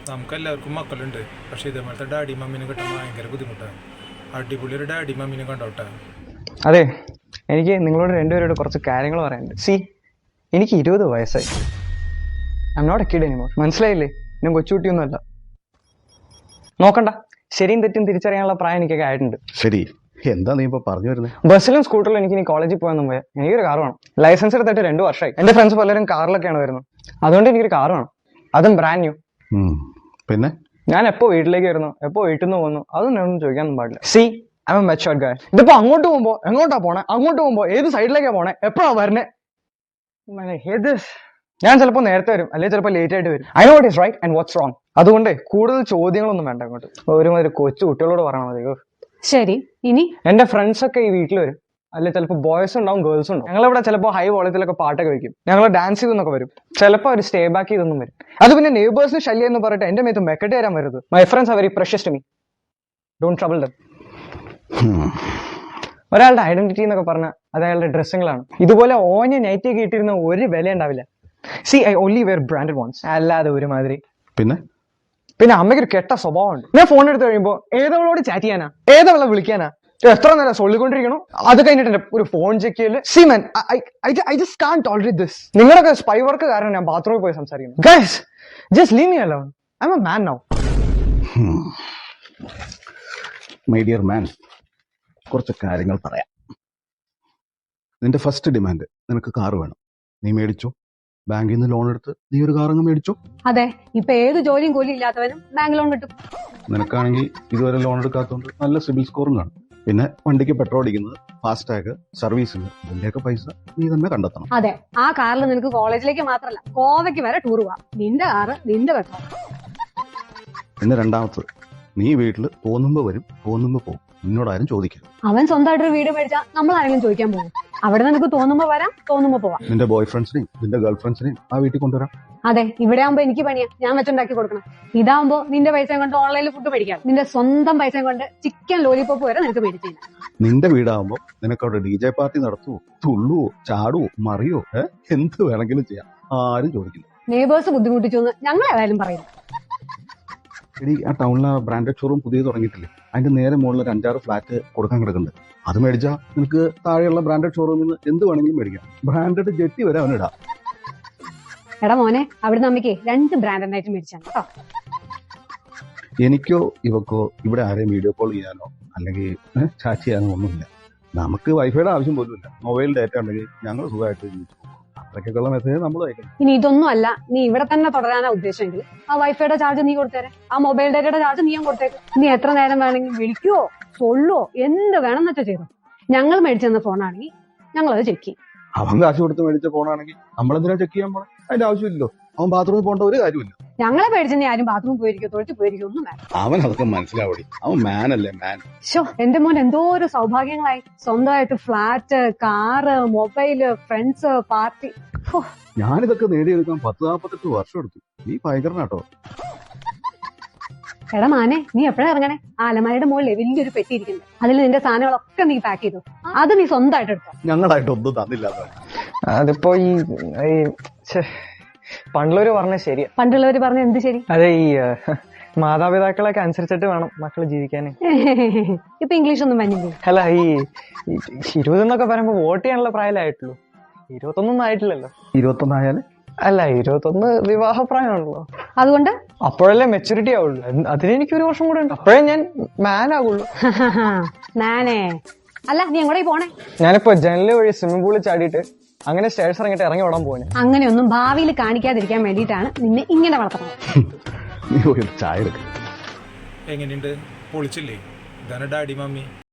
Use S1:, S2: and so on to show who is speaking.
S1: നമുക്കെല്ലാവർക്കും മക്കളുണ്ട്, പക്ഷേ ഇതേപോലത്തെ ഡാഡി മമ്മീനെ കിട്ടാൻ ഭയങ്കര ബുദ്ധിമുട്ടാണ്. അടിപൊളി ഒരു ഡാഡി മമ്മീനെ കണ്ടോട്ടെ.
S2: അതെ, എനിക്ക് നിങ്ങളോട് രണ്ടുപേരോട് കുറച്ച് കാര്യങ്ങൾ പറയാനുണ്ട്. എനിക്ക് 20 വയസ്സായി. I am not a kid anymore. മനസ്സിലായില്ലേ? ഞാൻ കൊച്ചുകുട്ടിയൊന്നുമല്ല. നോക്കണ്ട, ശരിയും തെറ്റും തിരിച്ചറിയാനുള്ള പ്രായം എനിക്കൊക്കെ ആയിട്ടുണ്ട്.
S3: ശരി, എന്താ നീ ഇപ്പൊ പറഞ്ഞു വരുന്നത്?
S2: ബസ്സിലും സ്കൂട്ടറിലും എനിക്ക് ഇനി കോളേജിൽ പോകാൻ പോയാൽ എനിക്കൊരു കാർ വേണം. ലൈസൻസ് എടുത്തിട്ട് 2 വർഷമായി. എന്റെ ഫ്രണ്ട്സ് പലരും കാറിലൊക്കെയാണ് വരുന്നത്. അതുകൊണ്ട് എനിക്കൊരു കാർ വേണം, അതും ബ്രാൻഡ് ന്യൂ.
S3: പിന്നെ
S2: ഞാൻ എപ്പോ വീട്ടിലേക്ക് വരുന്നു, എപ്പോ വീട്ടിൽ നിന്ന് പോകുന്നു, അതൊന്നും എന്നോട് ചോദിക്കാനൊന്നും പാടില്ല. ഐ എം എ മെച്ചുവർഡ് ഗായ്. ഇതിപ്പോ അങ്ങോട്ട് പോകുമ്പോ എങ്ങോട്ടാ പോണേ, അങ്ങോട്ട് പോകുമ്പോ ഏത് സൈഡിലേക്കാ പോണേ, എപ്പോഴാ വരണേ, ഞാൻ ചിലപ്പോൾ നേരത്തെ വരും, അല്ലെങ്കിൽ ചിലപ്പോൾ ലേറ്റ് ആയിട്ട് വരും. I know what is right and what's wrong. അതുകൊണ്ട് കൂടുതൽ ചോദ്യങ്ങളൊന്നും വേണ്ട. അങ്ങോട്ട് ഒരുമാതിരി കൊച്ചു കുട്ടികളോട് പറയണം മതി.
S4: ശരി, ഇനി
S2: എന്റെ ഫ്രണ്ട്സ് ഒക്കെ ഈ വീട്ടിൽ വരും, അല്ലെ ചിലപ്പോൾ ബോയ്സ് ഉണ്ടാവും, ഗേൾസ് ഉണ്ടാവും. ഞങ്ങളിവിടെ ചിലപ്പോൾ ഹൈ വോളത്തിലൊക്കെ പാട്ടൊക്കെ വെക്കും, ഞങ്ങൾ ഡാൻസ് ചെയ്തെന്നൊക്കെ വരും. ചിലപ്പോൾ ഒരു സ്റ്റേ ബാക്ക് ചെയ്തൊന്നും വരും. അത് പിന്നെ നെയ്ബേഴ്സിന് ശല്യം എന്ന് പറഞ്ഞിട്ട് എന്റെ മേത്ത് മെക്കെട്ട് തരാൻ വരരുത്. My friends are very precious to me. Don't trouble them. ഒരാളുടെ ഐഡന്റിറ്റി എന്നൊക്കെ പറഞ്ഞാൽ അത് അയാളുടെ ഡ്രസ്സുകളാണ്. ഇതുപോലെ ഓഞ്ഞ നൈറ്റി ഒക്കെ ഇട്ടിരുന്ന ഒരു വില ഉണ്ടാവില്ല. I only wear branded ones. അല്ലാതെ ഒരുമാതിരി. പിന്നെ അമ്മയ്ക്കൊരു കെട്ട സ്വഭാവമുണ്ട്. ഞാൻ ഫോൺ എടുത്ത് കഴിയുമ്പോൾ ഏതവളോട് ചാറ്റ് ചെയ്യാനാ, ഏതവളെ വിളിക്കാനാ, എത്ര നേരം സൊല്ലിക്കൊണ്ടിരിക്കണോ. അത് കഴിഞ്ഞിട്ട് ഒരു ഫോൺ ചെക്ക് ചെയ്യല്. സീമൻ, I just can't tolerate this. നിങ്ങളൊക്കെ സ്പൈ വർക്ക് കാരണം ഞാൻ ബാത്റൂമിൽ പോയി സംസാരിക്കുന്നു. Guys, just leave me alone. I am a man now.
S3: My dear man, കുറച്ച് കാര്യങ്ങൾ പറയാം. നിന്റെ ഫസ്റ്റ് ഡിമാൻഡ് നിനക്ക് കാർ വേണം. നീ മേടിച്ചോ. ബാങ്കിൽ നിന്ന് ലോൺ എടുത്ത് നീ ഒരു കാർ അങ്ങ് മേടിച്ചോ.
S4: അതെ, ഇപ്പൊ ഏത് ജോലിയും കൂലി ഇല്ലാത്തവനും ബാങ്ക് ലോൺ കിട്ടും.
S3: നിനക്കാണെങ്കിൽ ഇതുവരെ ലോൺ എടുക്കാത്തതുകൊണ്ട് നല്ല സിബിൽ സ്കോറും കാണും. പിന്നെ വണ്ടിക്ക് പെട്രോൾ അടിക്കുന്നത്, ഫാസ്ടാഗ്, സർവീസിന്, ഇതിന്റെയൊക്കെ പൈസ നീ തന്നെ കണ്ടെത്തണം.
S4: അതെ, ആ കാറിൽ നിനക്ക് കോളേജിലേക്ക് മാത്രമല്ല ഗോവയ്ക്ക് വരെ ടൂർ പോവാം. നിന്റെ കാറ്, നിന്റെ പെട്രോൾ.
S3: പിന്നെ രണ്ടാമത്തത്, നീ വീട്ടിൽ തോന്നുമ്പോ വരും, തോന്നുമ്പോ പോകും. നിന്നോട് ആരും ചോദിക്കരുത്.
S4: അവൻ സ്വന്തമായിട്ടൊരു വീട് മേടിച്ചാൽ നമ്മൾ ആരെങ്കിലും ചോദിക്കാൻ പോകും? അവിടെ നിനക്ക് തോന്നുമ്പോ വരാം, തോന്നുമ്പോ പോവാം.
S3: നിന്റെ ബോയ് ഫ്രണ്ട്സിനെയും നിന്റെ ഗേൾ ഫ്രണ്ട്സിനെയും ആ വീട്ടിൽ കൊണ്ടുവരാം.
S4: അതെ, ഇവിടെ ആകുമ്പോ എനിക്ക് പണിയാ, ഞാൻ വെച്ചുണ്ടാക്കി കൊടുക്കണം. ഇതാവുമ്പോ നിന്റെ പൈസ കൊണ്ട് ഓൺലൈനിൽ ഫുഡ് മേടിക്കാം. നിന്റെ സ്വന്തം പൈസ കൊണ്ട് ചിക്കൻ ലോലിപോപ്പ് വരെ നിനക്ക് മേടിച്ചു.
S3: നിന്റെ വീടാകുമ്പോ നിനക്ക് അവിടെ DJ പാർട്ടി നടത്തുവോ, തുള്ളുവോ, ചാടുവോ, മറിയോ, എന്ത് വേണമെങ്കിലും ചെയ്യാം. ആരും ചോദിക്കില്ല.
S4: നെയ്ബേഴ്സ് ബുദ്ധിമുട്ടിച്ചു എന്ന് ഞങ്ങൾ ഏതായാലും പറയില്ല.
S3: എടി, ആ ടൗണിലെ ബ്രാൻഡഡ് ഷോറൂം പുതിയ തുടങ്ങിയിട്ടില്ലേ? അതിന്റെ നേരെ മുകളിൽ ഒരു 5-6 ഫ്ലാറ്റ് കൊടുക്കാൻ കിടക്കുന്നുണ്ട്. അത് മേടിച്ചാൽ നിനക്ക് താഴെയുള്ള ബ്രാൻഡഡ് ഷോറൂമിൽ നിന്ന് എന്ത് വേണമെങ്കിലും മേടിക്കാം. ബ്രാൻഡഡ് ജെട്ടി വരെ അവനിടാം.
S4: എടാ മോനെ, അവിടുന്ന് അമ്മയ്ക്ക് 2 ബ്രാൻഡഡ് ആയിട്ട് മേടിച്ചാണ് കേട്ടോ.
S3: എനിക്കോ ഇവക്കോ ഇവിടെ ആരെയും വീഡിയോ കോൾ ചെയ്യാനോ അല്ലെങ്കിൽ ചാറ്റ് ചെയ്യാനോ ഒന്നുമില്ല. നമുക്ക് വൈഫൈയുടെ ആവശ്യം പോലും ഇല്ല. മൊബൈൽ ഡാറ്റ ഉണ്ടെങ്കിൽ ഞങ്ങൾ സുഖമായിട്ട് ജീവിച്ചു. അത്രയ്ക്കുള്ള മെസ്സേജ് നമ്മൾ അയക്കണം.
S4: ഇനി ഇതൊന്നും അല്ല, നീ ഇവിടെ തന്നെ തുടരാനാ ഉദ്ദേശമെങ്കിൽ ആ വൈഫൈയുടെ ചാർജ് നീ കൊടുത്തേരെ, ആ മൊബൈൽ ഡാറ്റയുടെ ചാർജ് നീയും കൊടുത്തേക്ക്. നീ എത്ര നേരം വേണമെങ്കിൽ വിളിക്കുവോ സൊല്ലുവോ എന്ത് വേണമെന്ന് വെച്ചാൽ ചെയ്തോ. ഞങ്ങൾ മേടിച്ചെന്ന ഫോണാണെങ്കിൽ ഞങ്ങൾ അത് ചെക്ക് ചെയ്യും.
S3: അവൻ കാശ് കൊടുത്ത് മേടിച്ച ഫോണാണെങ്കിൽ നമ്മളെന്തിനാ ചെക്ക് ചെയ്യാൻ പോണേ? അതിന്റെ ആവശ്യമില്ലല്ലോ. അവൻ ബാത്റൂമിൽ പോകേണ്ട ഒരു കാര്യമില്ല.
S4: ഞങ്ങളെ പേടിച്ചെന്നെ ആരും ബാത്റൂമിൽ പോയിരിക്കും, തൊഴിൽ പോയിരിക്കും, ഒന്നും വേണം.
S3: അവൻ അതൊക്കെ മനസ്സിലാവടി. അവൻ മാൻ അല്ലേ, മാൻ.
S4: എന്റെ മോൻ എന്തോ ഒരു സൗഭാഗ്യങ്ങളായി. സ്വന്തമായിട്ട് flat, car, mobile, friends, party.
S3: ഞാനിതൊക്കെ നേടിയെടുക്കാൻ 10-48 വർഷം എടുത്തു. നീ ഭയങ്കരനാട്ടോ.
S4: എടാ മാനെ, നീ എപ്പോഴാ ഇറങ്ങണേ? ആ അലമാരയുടെ മുകളിൽ വലിയൊരു പെട്ടി ഇരിക്കുന്നത്, അതിൽ നിന്റെ സാധനങ്ങളൊക്കെ നീ പാക്ക് ചെയ്തു. അത് നീ സ്വന്തമായിട്ട് എടുത്തോ.
S3: ഞങ്ങളായിട്ടൊന്നും തന്നില്ല.
S2: അതിപ്പോ ഈ പണ്ടുള്ളവര് പറഞ്ഞ ശരിയാ.
S4: പണ്ടുള്ളവര് പറഞ്ഞ എന്ത് ശരി?
S2: അതെ, ഈ മാതാപിതാക്കളൊക്കെ അനുസരിച്ചിട്ട് വേണം മക്കള് ജീവിക്കാന്.
S4: ഇപ്പൊ ഇംഗ്ലീഷ് ഒന്നും വന്നില്ലേ?
S2: അല്ല, ഈ 20 എന്നൊക്കെ പറയുമ്പോ വോട്ട് ചെയ്യാനുള്ള പ്രായമായിട്ടുള്ളൂ. 21 ആയിട്ടില്ലല്ലോ.
S3: 21 ആയാല്?
S2: അല്ല, 21 വിവാഹപ്രായമാണല്ലോ.
S4: അതുകൊണ്ട്
S2: അപ്പോഴല്ലേ മെച്ചൂരിറ്റി ആവുള്ളൂ. അതിന് എനിക്ക് 1 വർഷം കൂടെ ഉണ്ട്. അപ്പോഴേ ഞാൻ മാൻ ആകുള്ളൂ.
S4: മാനേ അല്ല, നീ എങ്ങോട്ടേ പോണേ?
S2: ഞാനിപ്പോ ജനല് വഴി സ്വിമ്മിംഗ് പൂളിൽ ചാടിയിട്ട് അങ്ങനെ സ്റ്റേഴ്സ് ഇറങ്ങിട്ട് ഇറങ്ങി ഓടാൻ പോനെ.
S4: അങ്ങനെയൊന്നും ഭാവിയിൽ കാണിക്കാതിരിക്കാൻ വേണ്ടിയിട്ടാണ് നിന്നെ ഇങ്ങനെ വളർത്തുന്നത്.
S3: നീ ചായ എടുക്ക.
S1: എങ്ങനെയുണ്ട്? പൊളിച്ചില്ലേ? ഇതാണ് ഡാഡി മമ്മി.